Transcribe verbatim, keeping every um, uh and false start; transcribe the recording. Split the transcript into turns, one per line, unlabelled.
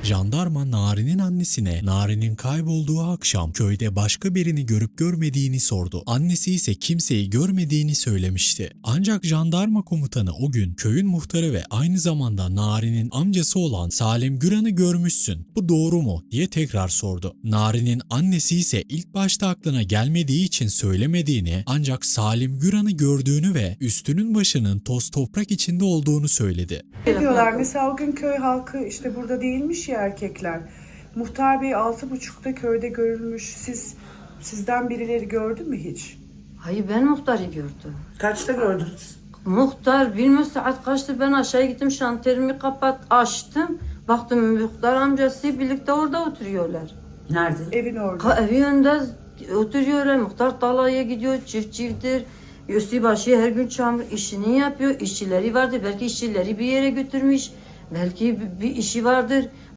Jandarma Nari'nin annesine Nari'nin kaybolduğu akşam köyde başka birini görüp görmediğini sordu. Annesi ise kimseyi görmediğini söylemişti. Ancak jandarma komutanı o gün köyün muhtarı ve aynı zamanda Nari'nin amcası olan Salim Güran'ı görmüşsün. Bu doğru mu diye tekrar sordu. Nari'nin annesi ise ilk başta aklına gelmediği için söylemediğini, ancak Salim Güran'ı gördüğünü ve üstünün başının toz toprak içinde olduğunu söyledi.
Ne diyorlar? Mesela o gün köy halkı işte burada değilmiş ya erkekler. Muhtar Bey altı buçukta köyde görülmüş. Siz sizden birileri gördü mü hiç?
Hayır, ben muhtarı gördüm.
Kaçta gördünüz?
Muhtar bilmiyorum saat kaçtı, ben aşağı gittim, şanterimi kapat açtım. Baktım muhtar amcası birlikte orada oturuyorlar.
Nerede?
Evin orada.
Ka evi önünde oturuyorlar. Muhtar tarlaya gidiyor, çift çifttir. Üstü başı her gün çamur işini yapıyor. İşçileri vardır. Belki işçileri bir yere götürmüş. Belki bir işi vardır.